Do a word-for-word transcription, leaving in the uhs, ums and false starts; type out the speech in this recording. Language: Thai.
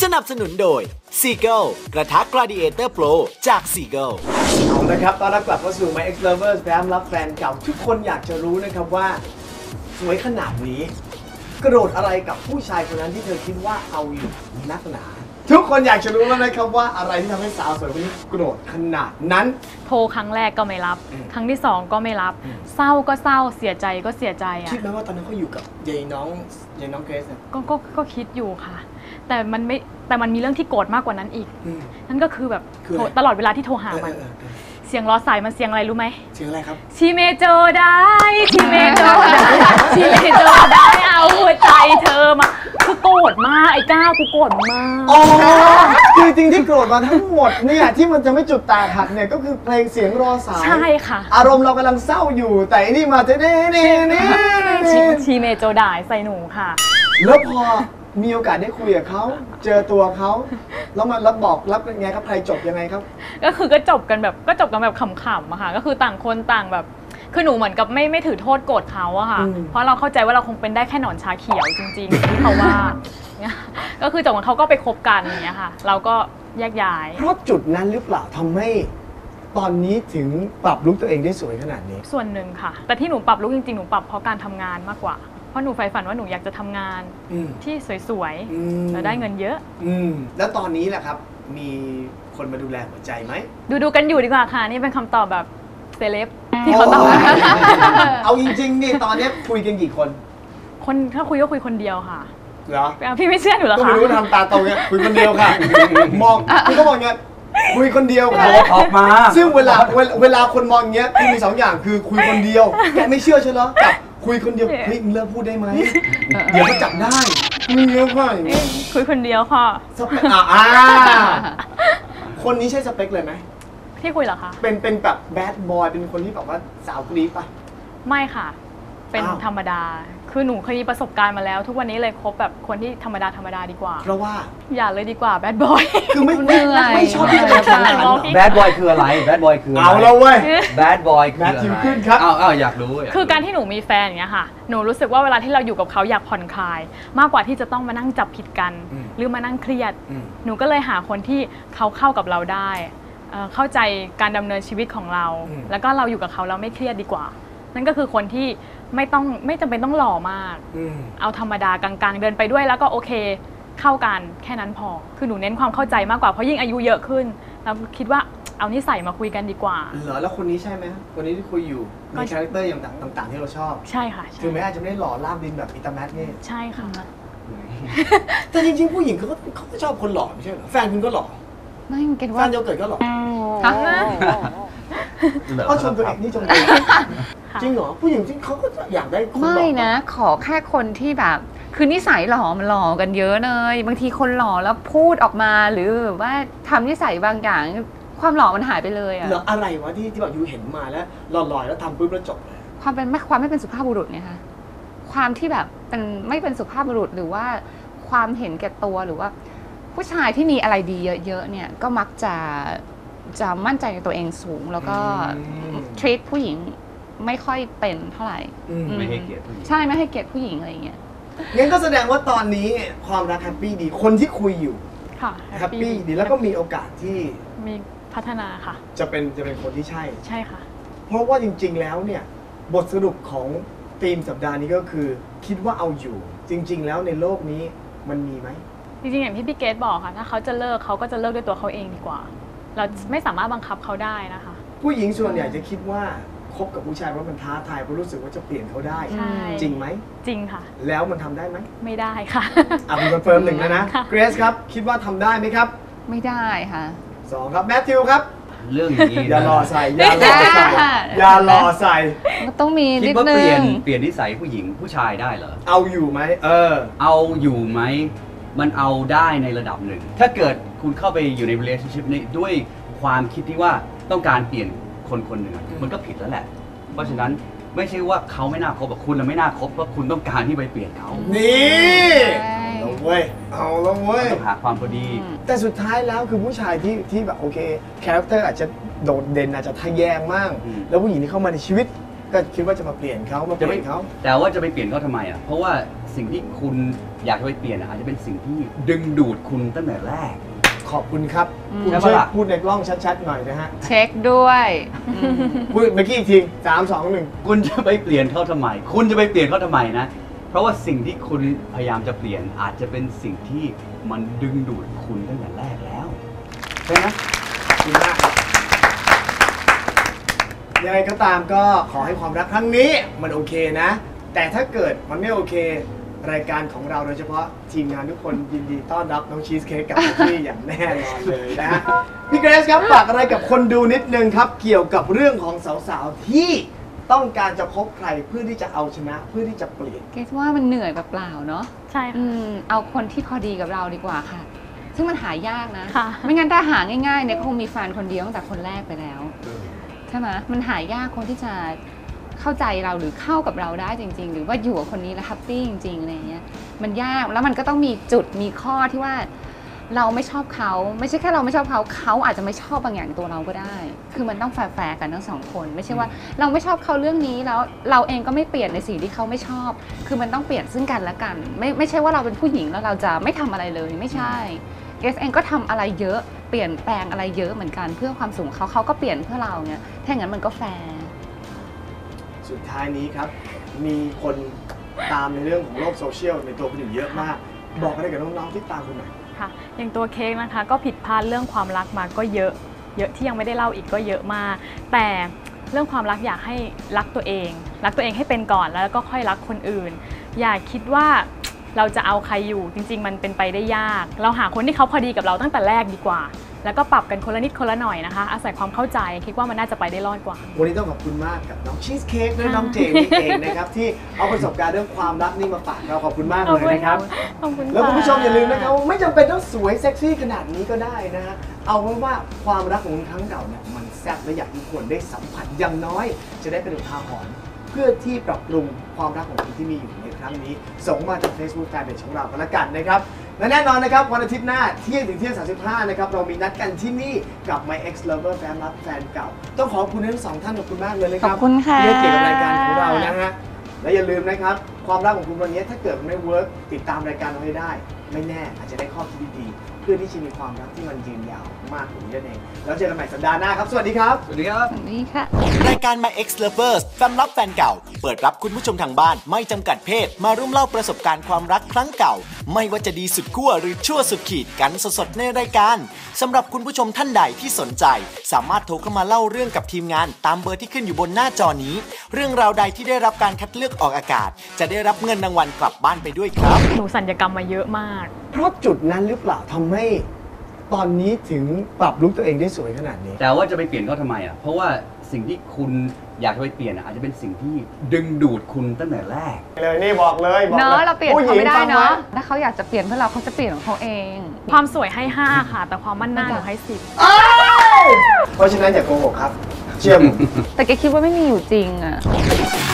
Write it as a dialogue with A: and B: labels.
A: นับสนุนโดย Seagull กระทะ Gladiator Pro จาก Seagull
B: เอาละครับตอนรับกลับเข้าสู่ My Ex Lovers แฟ้มรับแฟนเก่าทุกคนอยากจะรู้นะครับว่าสวยขนาดนี้กระโดดอะไรกับผู้ชายคนนั้นที่เธอคิดว่าเอาอยู่นักหนาทุกคนอยากจะรู้แล้วนะครับว่าอะไรที่ทำให้สาวสวยคนนี้กระโดดขนาดนั้น
C: โทรครั้งแรกก็ไม่รับ ครั้งที่สองก็ไม่รับ เศร้าก็เศร้าเสียใจก็เสียใจอ่ะ
B: คิดไหมว่าตอนนั้นเขาอยู่กับยายน้องยายน้องเกรซเนี่ย
C: ก็ก็ก็คิดอยู่ค่ะ แต่มันไม่แต่มันมีเรื่องที่โกรธมากกว่านั้นอีกนั่นก็คือแบบตลอดเวลาที่โทรหามันเสียงล้อสายมันเสียงอะไรรู้ไหม
B: เสียงอะไรครับ
C: ชีเมโจได้ชีเมโจได้ชีเมโจได้เอาหัวใจเธอมาคือโกรธมากไอ้ก้าวกูโกรธมาก
B: อ๋อคือจริงที่โกรธมาทั้งหมดเนี่ยที่มันจะไม่จุดแตกหักเนี่ยก็คือเพลงเสียงรอสาย
C: ใช่ค่ะ
B: อารมณ์เรากำลังเศร้าอยู่แต่อันนี้มาเน่เน่เน่
C: ชีเมโจได้ใส่หนูค่ะ
B: แล้วพอมีโอกาสได้คุยกับเขาเจอตัวเขาแล้วมารับบอกรับยังไงครับใครจบยังไงครับ
C: ก็คือก็จบกันแบบก็จบกันแบบขำๆอะค่ะก็คือต่างคนต่างแบบคือหนูเหมือนกับไม่ไม่ถือโทษโกรธเขาอะค่ะเพราะเราเข้าใจว่าเราคงเป็นได้แค่หนอนชาเขียวจริงๆที่เขาว่าก็คือจบกันเขาก็ไปคบกันอย่างเงี้ยค่ะเราก็แยกย้าย
B: เพราะจุดนั้นหรือเปล่าทำให้ตอนนี้ถึงปรับลุคตัวเองได้สวยขนาดนี้
C: ส่วนหนึ่งค่ะแต่ที่หนูปรับลุคจริงๆหนูปรับเพราะการทำงานมากกว่าเพราะหนูใฝ่ฝันว่าหนูอยากจะทำงานที่สวยๆแล้วได้เงินเยอะ
B: แล้วตอนนี้แหละครับมีคนมาดูแลหัวใจไหม
C: ดูดูกันอยู่ดีกว่าค่ะนี่เป็นคำตอบแบบเซเลบที่เขาตอบ
B: เอาจริงๆนี่ตอนนี้คุยกันกี่คน
C: คนถ้าคุยก็คุยคนเดียวค่ะ
B: เหรอ
C: พี่ไม่เชื่อหนูหรอคะ
B: ก็ไม่รู้ทำตาโตเงี้ยคุยคนเดียวค่ะมองพี่ก็มองเงี้ยคุยคนเดียวค่ะ
D: ออกมา
B: ซึ่งเวลาเวลาคนมองเงี้ยมีสองอย่างคือคุยคนเดียวแกไม่เชื่อใช่เหรอกับคุยคนเดียวเฮ้ยมึงเลิกพูดได้ไหมเดี๋ยวก็จับได้มึงเยอะค่ะ
C: คุยคนเดียวค่ะ
B: สเปคอ่าคนนี้ใช่สเปคเลยไหม
C: ที่คุยเหรอคะ
B: เป็นเป็นแบบแบดบอยเป็นคนที่แบบว่าสาวกรี๊ดป่ะ
C: ไม่ค่ะเป็นธรรมดาคือหนูเคยมีประสบการณ์มาแล้วทุกวันนี้เลยคบแบบคนที่ธรรมดาธรรมดาดีกว่า
B: เพราะว่า
C: อย่าเลยดีกว่าแบดบอย
B: คือไม่ไม่ชอบที่จะทำ
D: แบดบอยคืออะไรแบดบอยคือ
B: เอาแล้วเว้ย
D: แบดบอยคืออะไร
B: ขึ้นครับ
D: อ้าวอ้าวอยากรู้
C: คือการที่หนูมีแฟนอย่างเงี้ยค่ะหนูรู้สึกว่าเวลาที่เราอยู่กับเขาอยากผ่อนคลายมากกว่าที่จะต้องมานั่งจับผิดกันหรือมานั่งเครียดหนูก็เลยหาคนที่เขาเข้ากับเราได้เข้าใจการดำเนินชีวิตของเราแล้วก็เราอยู่กับเขาเราไม่เครียดดีกว่านั่นก็คือคนที่ไม่ต้องไม่จำเป็นต้องหล่อมากเอาธรรมดากลางๆเดินไปด้วยแล้วก็โอเคเข้ากันแค่นั้นพอคือหนูเน้นความเข้าใจมากกว่าเพราะยิ่งอายุเยอะขึ้นเราคิดว่าเอานิสัยมาคุยกันดีกว่า
B: เหรอแล้วคนนี้ใช่ไหมคนนี้ที่คุยอยู่มีคาแรคเตอร์อย่างต่างๆที่เราชอบ
C: ใช่ค่ะ
B: ถึงแม้อาจจะไม่ได้หล่อล่ามดินแบบอิตาแมทนี่
C: ใช่ค่ะ
B: แต่จริงๆผู้หญิงเขาก็เขาก็ชอบคนหล่อไม่ใช่เหรอแฟนคุณก็หล่อ
C: ไม่เก็ตว่า
B: แฟนโยเกิร์ตก็หล่อเขาชมตัวเองนี่ชมตัวเองจริงเหรอผู้หญิงจริงเขาก็อยากได้คนหล่อ
E: ไม่นะขอแค่คนที่แบบคือนิสัยหล่อมันหล่อกันเยอะเลยบางทีคนหล่อแล้วพูดออกมาหรือว่าทำนิสัยบางอย่างความหล่อมันหายไปเลยอะ
B: เหรออะไรวะที่ที่แบบยูเห็นมาแล้วหล่อๆแล้วทำปุ๊บแล้วจบเลย
E: ความเป็นไม่ความไม่เป็นสุภาพบุรุษไงคะความที่แบบเป็นไม่เป็นสุภาพบุรุษหรือว่าความเห็นแก่ตัวหรือว่าผู้ชายที่มีอะไรดีเยอะๆเนี่ยก็มักจะจะมั่นใจในตัวเองสูงแล้วก็ treat ผู้หญิงไม่ค่อยเป็นเท่าไหร่
D: ไม่ให้เกียรติผู้หญิง
E: ใช่ไม่ให้เกียรติผู้หญิงอะไรอย่างเงี้ย
B: งั้นก็แสดงว่าตอนนี้ความรักแฮปปี้ดีคนที่คุยอยู่
C: ค่ะ
B: แฮปปี้ดีแล้วก็มีโอกาสที่
C: มีพัฒนาค่ะ
B: จะเป็นจะเป็นคนที่ใช่
C: ใช่ค่ะ
B: เพราะว่าจริงๆแล้วเนี่ยบทสรุปของธีมสัปดาห์นี้ก็คือคิดว่าเอาอยู่จริงๆแล้วในโลกนี้มันมีไหม
C: จริงๆอย่างที่พี่เกดบอกค่ะถ้าเขาจะเลิกเขาก็จะเลิกด้วยตัวเขาเองดีกว่าเราไม่สามารถบังคับเขาได้นะคะ
B: ผู้หญิงส่วนใหญ่จะคิดว่าคบกับผู้ชายเพราะมันท้าทายเพราะรู้สึกว่าจะเปลี่ยนเขาได้จริงไหม
C: จริงค่ะ
B: แล้วมันทำได้ไหม
C: ไม่ได้ค่ะ
B: อ่ะมีคอนเฟิร์มหนึ่งแล้วนะเกรซครับคิดว่าทำได้ไหมครับ
E: ไม่ได้ค่ะ
B: สองครับแมทธิวครับ
D: เรื่องอย่างนี้
B: อย่ารอใส่อย่ารอใส่อย่ารอใส่
E: ต้องมีนิดนึง
D: คิดว่าเปลี่ยนเปลี่ยนนิสัยผู้หญิงผู้ชายได้เหรอ
B: เอาอยู่ไหมเออ
D: เอาอยู่ไหมมันเอาได้ในระดับหนึ่งถ้าเกิดคุณเข้าไปอยู่ใน relationship นี้ด้วยความคิดที่ว่าต้องการเปลี่ยนคนคนหนึ่งมันก็ผิดแล้วแหละเพราะฉะนั้นไม่ใช่ว่าเขาไม่น่าคบกับคุณและไม่น่าคบเพราะคุณต้องการที่ไปเปลี่ยนเขา
B: นี่เอาเว้ยเอาแล้วเว้ย
D: ต้องหาความพอดี
B: แต่สุดท้ายแล้วคือผู้ชายที่ที่แบบโอเคคาแรคเตอร์อาจจะโดดเด่นอาจจะทะแยงมากแล้วผู้หญิงที่เข้ามาในชีวิตก็คิดว่าจะมาเปลี่ยนเขามาเปลี่ยนเขา
D: แต่ว่าจะไปเปลี่ยนเขาทำไมอ่ะเพราะว่าสิ่งที่คุณอยากจะไปเปลี่ยนอาจจะเป็นสิ่งที่ดึงดูดคุณตั้งแต่แรก
B: ขอบคุณครับคุณ
D: ใช่
B: ช่วย
D: ปะล่ะ
B: พูดในกล้องชัดๆหน่อยนะฮะ
E: เช็คด้วยอืม
B: พูดเมื่อกี้อีกทีสามสองหนึ่ง
D: คุณจะไปเปลี่ยนเขาทำไม คุณจะไปเปลี่ยนเขาทำไมนะ เพราะว่าสิ่งที่คุณพยายามจะเปลี่ยนอาจจะเป็นสิ่งที่มันดึงดูดคุณตั้งแต่แรกแล้วใช่ไหม
B: ขอบคุณมากครับยังไงก็ตามก็ขอให้ความรักครั้งนี้มันโอเคนะ แต่ถ้าเกิดมันไม่โอเค รายการของเราโดยเฉพาะทีมงานทุกคนยินดีต้อนรับน้องชีสเค้กกับพี่อย่างแน่นอนเลยนะฮะพี่เกรซครับฝากอะไรกับคนดูนิดนึงครับ เกี่ยวกับเรื่องของสาวๆที่ต้องการจะพบใครเพื่อที่จะเอาชนะเพื่อที่จะเปลี่ยน
E: เกรซว่ามันเหนื่อยเปล่าๆเนาะ
C: ใช่
E: อื
C: ค่ะ
E: มเอาคนที่พอดีกับเราดีกว่าค่ะ ซึ่งมันหายากนะ
C: ค่ะ
E: ไม่งั้นถ้าหาง่ายๆเนี่ยคงมีแฟนคนเดียวตั้งแต่คนแรกไปแล้วใช่ไหมมันหายากคนที่จะเข้าใจเราหรือเข้ากับเราได้จริง ๆ หรือว่าอยู่กับคนนี้แล้วแฮปปี้จริงๆอะไรเงี้ยมันยากแล้วมันก็ต้องมีจุดมีข้อที่ว่าเราไม่ชอบเขาไม่ใช่แค่เราไม่ชอบเขาเขาอาจจะไม่ชอบบางอย่างตัวเราก็ได้ คือมันต้องแฟร์ๆกันทั้งสองคน ไม่ใช่ว่าเราไม่ชอบเขาเรื่องนี้แล้วเราเองก็ไม่เปลี่ยนในสิ่งที่เขาไม่ชอบ คือมันต้องเปลี่ยนซึ่งกันและกัน ไม่ไม่ใช่ว่าเราเป็นผู้หญิงแล้วเราจะไม่ทำอะไรเลยไม่ใช่เกรซเองก็ทำอะไรเยอะเปลี่ยนแปลงอะไรเยอะเหมือนกันเพื่อความสูงเขาเขาก็เปลี่ยนเพื่อเราเนี่ยถ้าอย่างนั้นมันก็แฟร์
B: สุดท้ายนี้ครับ มีคนตามในเรื่องของโลกโซเชียลในตัวคุณอยู่เยอะมาก บอกอะไรกับน้องๆที่ตามคุณหน่อย
C: ค่ะอย่างตัวเค้กนะคะก็ผิดพลาดเรื่องความรักมาก็เยอะเยอะที่ยังไม่ได้เล่าอีกก็เยอะมาก แต่เรื่องความรักอยากให้รักตัวเอง รักตัวเองให้เป็นก่อนแล้วก็ค่อยรักคนอื่น อย่าคิดว่าเราจะเอาใครอยู่จริงๆมันเป็นไปได้ยาก เราหาคนที่เขาพอดีกับเราตั้งแต่แรกดีกว่า แล้วก็ปรับกันคนละนิดคนละหน่อยนะคะอาศัยความเข้าใจคิดว่ามันน่าจะไปได้รอดกว่า
B: วันนี้ต้องขอบคุณมากกับน้องชีสเค้กและน้องเจนนี่เองนะครับที่เอาประสบการณ์เรื่องความรักนี่มาฝากเราขอบคุณมากเลยนะครับ
C: ขอบคุณค่ะ
B: แล้วคุณผู้ชมอย่าลืมนะครับว่าไม่จำเป็นต้องสวยเซ็กซี่ขนาดนี้ก็ได้นะฮะเอาไว้ว่าความรักของคุณครั้งเก่าเนี่ยมันแซ่บและอยากให้ทุกคนได้สัมผัสอย่างน้อย จะได้เป็นอุทาหรณ์เพื่อที่ปรับปรุงความรักของคุณที่มีอยู่ในครั้งนี้ ส่งมาจาก Facebook แฟนเพจของเรากันละกันนะครับและแน่นอนนะครับวันอาทิตย์หน้าเที่ยงถึงเที่ยงสามสิบห้านะครับเรามีนัดกันที่นี่กับ My Ex Lover แฟนรักแฟนเก่าต้องขอบคุณทั้งสองท่านขอบคุณมากเลยนะครับ
E: ขอบคุณค่ะ
B: ที่ให้เกียรติกับรายการของเรานะฮะและอย่าลืมนะครับความรักของคุณวันนี้ถ้าเกิดไม่เวิร์กติดตามรายการเราให้ได้ ไม่แน่อาจจะได้ข้อคิดดีๆเพื่อที่จะมีความรักที่มันยืนยาวมากกว่านี้นั่นเองแล้วเจอกันใหม่สัปดาห์หน้าครับสวัสดีครับ
D: สวัสดีครับ
E: สวัสดีค่ะ
A: รายการ My Ex Lovers แฟนรับแฟนเก่า เปิดรับคุณผู้ชมทางบ้านไม่จำกัดเพศมาร่วมเล่าประสบการณ์ความรักครั้งเก่า ไม่ว่าจะดีสุดขั้วหรือชั่วสุดขีดกันสดๆในรายการสำหรับคุณผู้ชมท่านใดที่สนใจ สามารถโทรเข้ามาเล่าเรื่องกับทีมงานตามเบอร์ที่ขึ้นอยู่บนหน้าจอนี้ เรื่องราวใดที่ได้รับการคัดเลือกออกอากาศ จะได้รับเงินรางวัลกลับบ้านไปด้วยครับ
C: หนูสัญญกรรมมาเยอะมาก
B: เพราะจุดนั้นหรือเปล่าทำให้ตอนนี้ถึงปรับลุคตัวเองได้สวยขนาดนี้
D: แต่ว่าจะไปเปลี่ยนเขาทำไมอ่ะ เพราะว่าสิ่งที่คุณอยากจะไปเปลี่ยนอาจจะเป็นสิ่งที่ดึงดูดคุณตั้งแต่แรก
B: เลยนี่บอกเลยบอก
E: เนาะเราเปลี่ยนเขาไม่ได้
B: ผู้หญิงฟัง
E: เนาะ
B: ว้
E: ถ้าเขาอยากจะเปลี่ยนเพื่อเราเขาจะเปลี่ยนของเขาเอง
C: ความสวยให้ห้าค่ะ แต่ความมั่นหน้าหนูให้สิบ
B: เพราะฉะนั้นอย่าโกหกครับ เชื่อผม
E: แต่แกคิดว่าไม่มีอยู่จริงอะ